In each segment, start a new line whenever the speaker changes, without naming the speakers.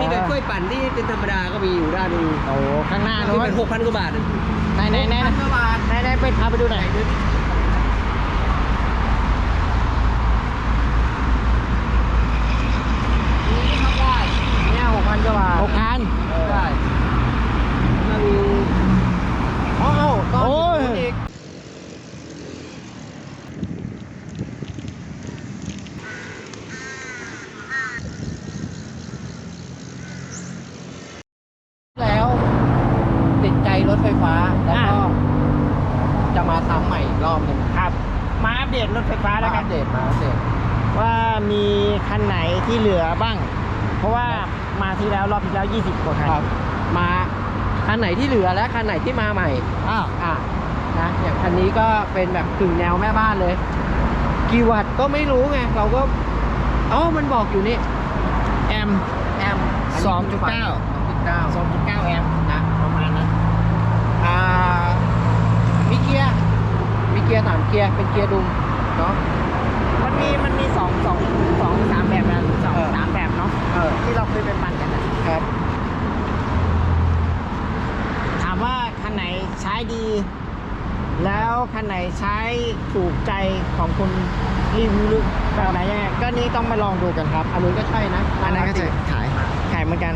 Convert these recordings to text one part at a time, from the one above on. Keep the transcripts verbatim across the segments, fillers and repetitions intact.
มีแบบช่วยปั่นที่เป็นธรรมดาก็มีอยู่ด้านนึง
โอ้ข้างหน้า
ที่
นู้น
เป็นหกพันกว่าบาท
ไหนไหนไหนไหนไหนไปพาไปดูหน่อยเนี่ยหกพันกว่าบาทหกพัน
ได้แล้วมีอ๋อต้น
โอ้ย
อีกแล้วติดใจรถไฟฟ้าแล้วก็จะมาทำใหม่อีกรอบหนึง
ครับ มาอัปเดตรถไฟฟ้าแล้ว
มา
กั
อั
น
ปเดตมาอัปเดต
ว่ามีคันไหนที่เหลือบ้าง เพราะว่ามาที่แล้วรอบที่แล้วยี่สิบกว่าคัน
ครับมาคันไหนที่เหลือและคันไหนที่มาใหม่
อ้าว
อ่ะนะอย่างคันนี้ก็เป็นแบบกึ่งแนวแม่บ้านเลยกี่วัตต์ก็ไม่รู้ไงเราก็อ๋อมันบอกอยู่นี่
แอม
แอม
สองจุดเก้า
สองจุดเก้า
สองจุดเก้าแอม
นะ
ประมาณนั้น
อ่ามีเกียร์มีเกียร์สามเกียร์เป็นเกียร์ดุมเนาะ
มันมีมันมีสองสองสองสามแบบนะสอง
เออ
สามแบบเนาะ
เออ
ที่เราเคยไปปั่นกันนะครับ ถามว่าคันไหนใช้ดี แล้วคันไหนใช้ถูกใจของคุณรีวิวหรือแบบไหนยังไงก็นี่ต้องมาลองดูกันครับ
อันนู้นก็ใช่นะ
อันนั้นก็จะขายขายเหมือนกัน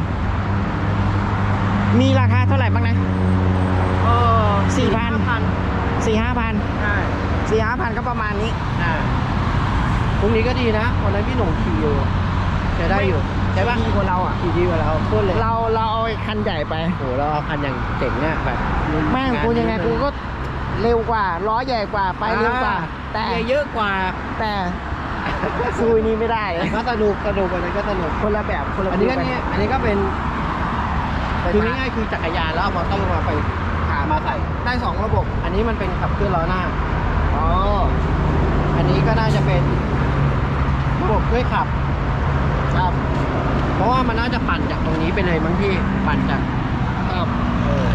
มีราคาเท่าไหร่บ้างนะ
เออ
สี่พัน
พัน
สี่ห้าพัน
ใช่
สี่ห้าพันก็ประมาณนี้
อ่าตรงนี้ก็ดีนะวันนั้นพี่หนุ่มขี่อยู่ใช้ได้อยู่ใช่ปะ
ดีกว่าเราอ่ะ
ขี่ดีกว่าเราพูดเลย
เราเราเอาไอ้คันใหญ่ไป
โอ้โหเราเอาคันอย่างเจ๋งเนี่ยแบบ
แม่งกูยังไงกูก็เร็วกว่าล้อใหญ่กว่าไปเร็วกว่า แต่
แต่เยอะกว่า
แต่ซูยนี้ไม่ได้
แต่ก็สนุกสนุกอันนั้นก็สนุก
คนละแบบคนละ
อันนี้ก็
แบบ
เนี่ยอันนี้ก็เป็นคือง่ายๆคือจักรยานแล้วเอามอเตอร์มาไปขามาใส่ได้สองระบบ อันนี้มันเป็นขับเคลื่อนล้อหน้า
อ๋อ
อันนี้ก็น่าจะเป็นระบบช่วยขับ
ครับ
เพราะว่ามันน่าจะปั่นจากตรงนี้ไปเลยมั้งพี่ปั่นจาก
ครับ
เออ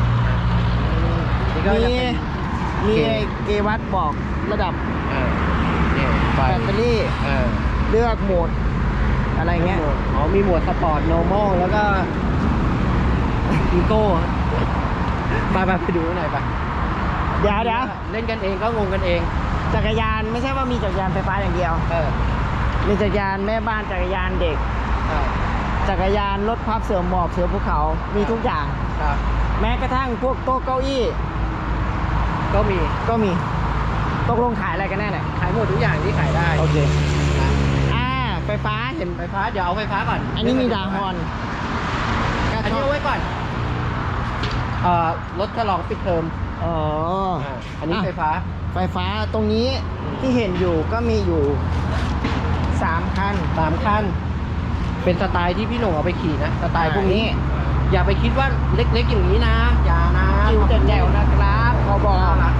นี่ก็
มี
จะเป็น
มี
เกณฑ์
ไอ้เกวัตบอกระดับ
เออเนี่ยไฟ
แบตเตอรี่
เออ
เลือกโหมด อะไรเงี้ย
อ๋อมีโหมดสปอร์ต normal แล้วก็อีโก้ไปไปไปดูหน่อยไป
เดี๋ยวเดี๋ยว
เล่นกันเองก็งงกันเอง
จักรยานไม่ใช่ว่ามีจักรยานไฟฟ้าอย่างเดียว
เออ
มีจักรยานแม่บ้านจักรยานเด็ก
เออ
จักรยานรถพับเสือหมอบเสือภูเขา มีทุกอย่าง
ครับ
แม้กระทั่งพวกโต๊ะเก้าอี้
ก็มี
ก็มี ตกลงขายอะไรกันแน่เนี่ย
ขายหมดทุกอย่างที่ขายได้
โอเค
นะ
อ่า ไฟฟ้าเห็น
ไฟฟ้าเดี๋ยวเอาไฟฟ้าก่อน
อันนี้มีดาฮอน
อันนี้เอาไว้ก่อนเอ่อรถฉลองปิดเทอม
อ๋อ
อ่าอันนี้ไฟฟ้า
ไฟฟ้าตรงนี้ที่เห็นอยู่ก็มีอยู่สามคัน
สามคันเป็นสไตล์ที่พี่หนุ่มเอาไปขี่นะสไตล์พวกนี้ อย่าไปคิดว่าเล็กๆอย่างนี้นะอย่านะ
จิ๋วแจ๋วๆนะครับขอบอก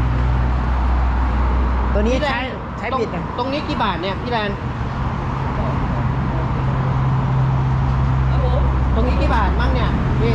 ตัวนี้
พี่แล
ใช้
น
ใช้
ตรง
บิดนะ
ตรงนี้กี่บาทเนี่ยพี่แลนตรงนี้กี่บาทมั่งเนี่ยพี่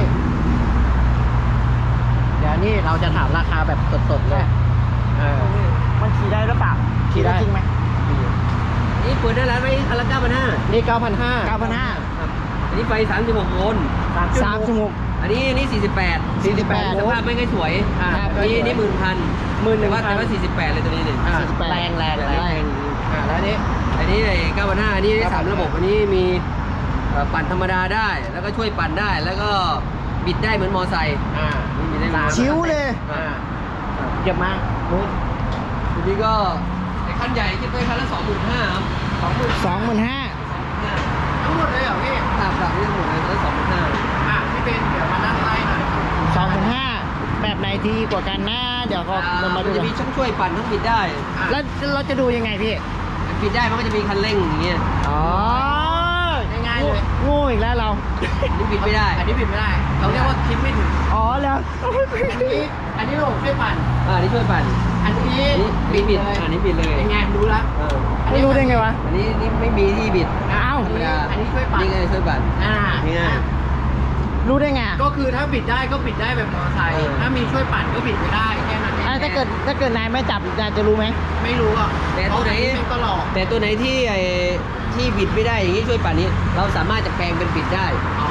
เดี๋ยวนี่เราจะถามราคาแบบสดๆเลยเออ
มันขี่ได้หรือเปล่า
ขี่ได้
จริงไหม
นี่เปิดได้แล้วไหมคันละเก้าพันห้านี่เก้าพันห้า
เก้าพันห้า
อันนี้ไฟสามสิบหกโวลต์
สามชั่วโมง
อันนี้อันนี้สี่สิบแปดสี่สิบแปดสภาพไม่ค่อยสวยอ่า
ครับ
อันนี้อันนี้หมื่นพัน
หมื่นหนึ่
แต่
ง
ว่า
พัน
แต่ว่าสี่สิบแปดเลยตัวนี้เนี่ย
อ่า
แรงแรงแรง
แรง
อ่าแล้วอันนี้อันนี้ไอ้เก้าพันห้าอันนี้ได้สามระบบอันนี้มีเอ่อปั่นธรรมดาได้ แล้วก็ช่วยปั่นได้แล้วก็บิดได้เหมือนมอไซค์อ่านี่บิดได้เหมือนมอไซค์
ชิวเลย
อ่า
เก็บมานู้น
ทีนี้ก็ไอ้คันใหญ่คิดไปคันละสองหมื่นห้าครับสองหมื่น
สองหมื่นห้า
ทั้งหมดเลยเหรอพี่ครับครับนี่ทั้งหมดเลยคันละสองหมื่นห้าอ่ะพี่เป็นเดี๋ยวมานั่งไล่หน่อย
สองหมื่นห้าแบบไหนดีกว่ากันนะเดี๋ยวก็เรามาดู
จะ
กัน
มีช่องช่วยปั่นทั้งบิดได้
แล้วเราจะดูยังไงพี่
บิดได้มันก็จะมีคันเร่งอย่างเงี้ย
อ๋อ
ง่ายๆเลย
โง่อีกแล้วเรา
อันนี้บิดไม่ได้ อันนี้บิดไม่ได้เขาเรียกว่าคิดไม่ถึง
อ๋อแล้ว
อันนี้อันนี้ระบบช่วยปั่นอ่าอันนี้ช่วยปั่นอันนี้บิดบิดอันนี้บิดเลยเป็นไงรู้ละเออ
ไม่รู้ได้ไงวะ
อันนี้นี่ไม่มีที่บิด
อ้าว
ธรรมดาอันนี้ช่วยปั่นนี่ไงช่วยปั่น
อ่า
ง่าย
รู้ได้ไง
ก็คือถ้าบิดได้ก็บิดได้แบบมอเตอร์ไซค์ถ้ามีช่วยปั่นก็บิดไม่ได้แค่นั้นเอง
อ่ะถ้าเกิดถ้าเกิดนายไม่จับนายจะรู้ไหม
ไม่รู้อ่ะแต่ตัวไหนก็หลอกแต่ตัวไหนที่ไอ้ที่บิดไม่ได้อย่างนี้ช่วยปั่นนี้เราสามารถจะแปลงเป็นบิดได้อ๋อ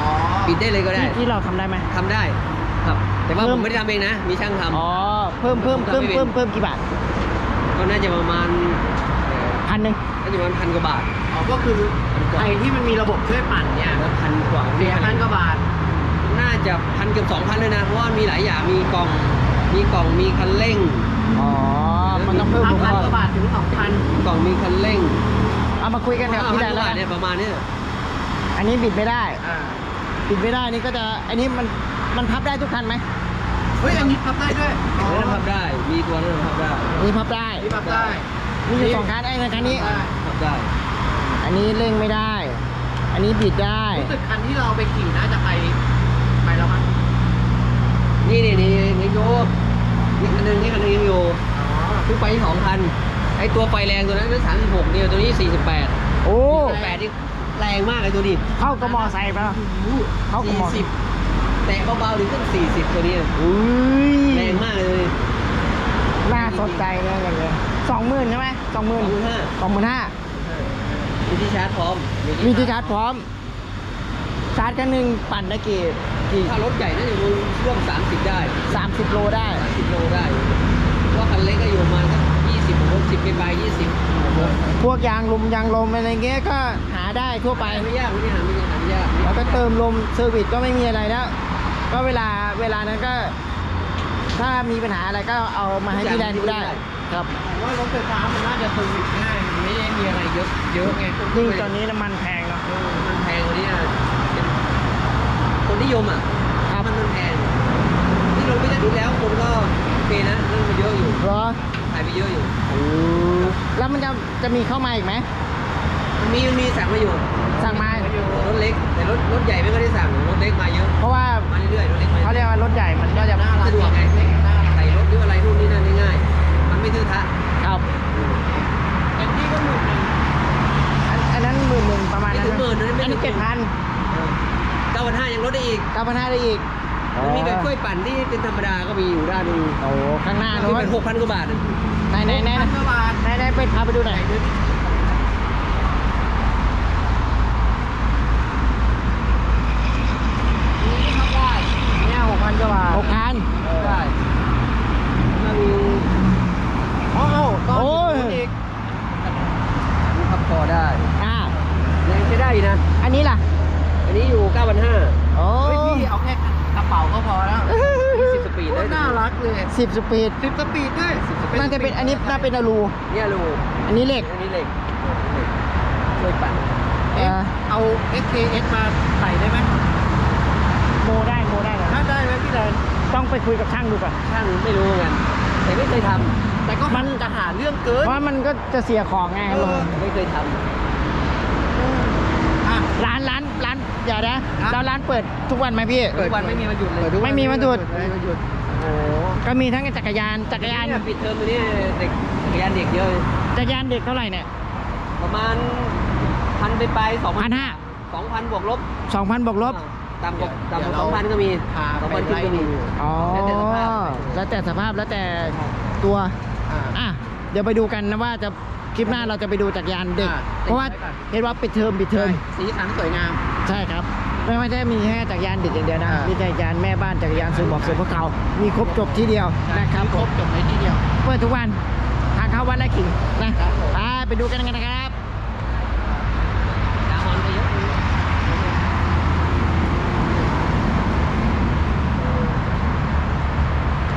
ปิดได้เลยก็ได้
ที่ที่เราทำได้ไหม
ทำได้ครับแต่ว่า
เพิ่
ผม มไม่ได้ทำเองนะ มีช่างทำ
อ๋อเพิ่มเพิ่มเพิ่มเพิ่มเพิ่มกี่บาท
ก็น่าจะประมาณ
พันหนึ่ง
เอ่อน่าจะประมาณพันกว่าบาท
อ๋อก็คือไอ้ที่มันมีระบบช่วยปั่นเนี่ย
แล้วพันกว่า
เสียพันกว่าบาท
น่าจะพันเกือบสองพันเลยนะ เพราะว่ามีหลายอย่างมีกล่องมีกล่องมีคันเร่ง
อ๋อมันต้องเพิ่ม
พั
อุป
น
ก
ก
ร
ว่า
ณ์
บาทถึงสองพัน
กล่องมีคันเร่ง
เอามาคุยกันกับพี่แดน
พั
แล้ว
กว่า
กัน
เนี่ยประมาณเนี้ย
อันนี้บิดไม่ได้
อ่า
บิดไม่ได้นี่ก็จะอันนี้มันมันพับได้ทุกคันไหม
เฮ้ยอันนี้พับได้ด้วย
เรื่องพับได้ มีตัวนั้นพับได้
นี่พับได้
นี่พับได้
มีอยู่สองคันไอ้ในคันนี้
ได้
พับได้
อันนี้เร่งไม่ได้ อันนี้บิดได้
รู้สึกคันที่เราไปขี่น่าจะไปไปแล้วมั้ง
นี่นี่นี่นี่โยนี่คันหนึงนี่คันหนึงยังอยู่
อ๋อ
เพิ่งไปที่สองคัน ไอตัวไฟแรงตัวนั้นเป็นสามสิบหกเนี่ยตัวนี้สี่สิบแปด
โอ้
แปดนี่แรงมากไอตัวนี้
เข้ากับมอไซค์ปะเข้ากับมอ
สี่สิบแต่เบาๆถึงขึ้นสี่สิบตัวนี้
อุ้ย
แรงมากเลย
น่าสนใจเลยอย่างเงี้ยสองหมื่นใช่ไหมสองหมื่น
สองหมื่นห้า
สองหมื่นห้า
มีที่ชาร์จพร้อม
มีที่ชาร์จพร้อม ชาร์จกันหนึ่งปั่นได้กี่กี่
ถ้ารถใหญ่น่าจะอยู่ร่วมสามสิบได้
สามสิบโลได้
สามสิบโลได้เพราะว่าคันเล็กก็อยู่ประมาณสักยี่สิบหกสิบไปไปยี่สิบ
พวกยางลมยางลมอะไรเงี้ยก็หาได้ทั่วไป
ไม่ยากไม่ได้หาไม่ยากหาไม่ยาก
แล้วก็เติมลมเซอร์วิสก็ไม่มีอะไรแล้ว ก็เวลาเวลานั้นก็ ถ้ามีปัญหาอะไรก็เอามาให้พี่แดนดูได้ ครับ
ผมว่ารถไฟฟ้ามันน่าจะเซอร์วิสง่ายมันไม่ได้มีอะไรเยอะเยอะไง
ยิ่งตอนนี้น้ำมันแพงเนาะ
เออมันแพงกว่านี้นะคนนิยมอ่ะ
ครับ
มันมันแพงที่ลงไปได้ดูแล้วคนก็โอเคนะเรื่องมันเยอะอยู่
เหรอ
ขายไปเยอะอยู่
แล้วมันจะจะมีเข้ามาอีกไหม
มันมีมันมีสั่งมาอยู่
สั่งมา
รถเล็กแต่รถรถใหญ่ไม่ค่อยได้สั่งรถเล็กมาเยอะ
เพราะว่า
มาเรื่อยๆรถเล็กมา
เขาเรียกว่ารถใหญ่มันก็จะ
น่ารัก
สะดวกไงใส่รถหรืออะไรนู่นนี่นั่นง่ายๆมันไม่ทื่อทะ
ครับ
เต็มที่ก็หมื่นหนึ่ง
อันอันนั้นหมื่นหนึ่งประมาณ
ไม่
นั้น
ถึงหมื่นนะ
อัน
ไม่ถึ
นี้
ง
เจ็ดพัน
เก้าพันห้ายังลดได้อีก
เก้าพันห้าได้อีก
มันมีแบบช่วยปั่นที่เป็นธรรมดาก็มีอยู่ด้านหนึง
โอ้โหข้างหน้า
ที่
โน้น
เป็นหกพันกว่าบาท
ไหนไหนไหน
พันกว่าบาท
ไหนไหนไปพาไปดูหน่อยเนี่ยหกพันกว่าบาทหกพัน
ได้ถ้ามี
อ๋อตอน
โอ้ย
อีก
มีพับคอได้
อ่า
ยังใช้ได้อยู่นะ
อันนี้ล่ะ
อันนี้อยู่เก้าพันห้า
โอ้
เฮ้ยพี่เอาแค่กระเป๋าก็พอแล้ว
สิบสปีด
โค
ได้
ตรน่ารักเลย
สิบสปีด
สิบสปีดด้วย
น่าจะเป็นอันนี้น่าเป็นอลู
เนี่ยลูก
อันนี้เหล็ก
อันนี้เหล็กช่วยปั่น
เอ
เอ๊ะ
อ
เอา เอส เค เอส มาใส่ได้ไหม
โมได้โมได้เลย
ถ้าได้ไหมพี่แดน
ต้องไปคุยกับช่างดูก่อน
ช่างไม่รู้เหมือนกันแต่ไม่เคยท
แต่ก็มันจะหาเรื่องเกิน
เพราะมันก็จะเสียของไงครับผม
ำไม่เคยท
อ่ะ
ร้านร้านร้านเดี๋ยวนะ
ครับ
แล้วร้านเปิดทุกวันไหมพี่
ำทุกวันไม่มีวันหยุดเลย
ไม่มีวันหยุด
ไม่มีวันหยุด
โอ้ก็มีทั้งจักรยานจักรยาน
เนี่ยปิดเทอมตัวนี้เด็กจักรยานเด็กเยอะเลย
จักรยานเด็กเท่าไหร่เนี่ย
ประมาณพันไปไปสอง
พันห้า
สองพันบวกลบ
สองพันบวกลบ
ต่ำกว่าต่ำกว่าสองพันก็มี
พา
สอง
ไป
พันขึ้น
ไล่
ก็มี
ดู
อ๋อ
แล้วแต่สภาพ
แล้วแต่สภาพแล้วแต่ตัว
อ่า
อ่ะเดี๋ยวไปดูกันนะว่าจะคลิปหน้าเราจะไปดูจักรยานเด็ก
อ่า
เพราะว่า
ติดไว้ก่อน
เห็นว่าปิดเทอมปิดเทอม
สีสันสวยงาม
ใช่ครับ ไม่ไม่ใช่มีแค่จักรยานเด็กอย่างเดียวนะ
อ่ามี
มีจักรยานแม่บ้านจักรยานซื้อบอกซื้อพวกเขามีครบจบที่เดียวนะครับ
ครบจบในที่เดียว
เปิดทุกวันทางเข้าวัดไร่ขิงนะครับ
ผม
ไปไปดูกันกันนะครับ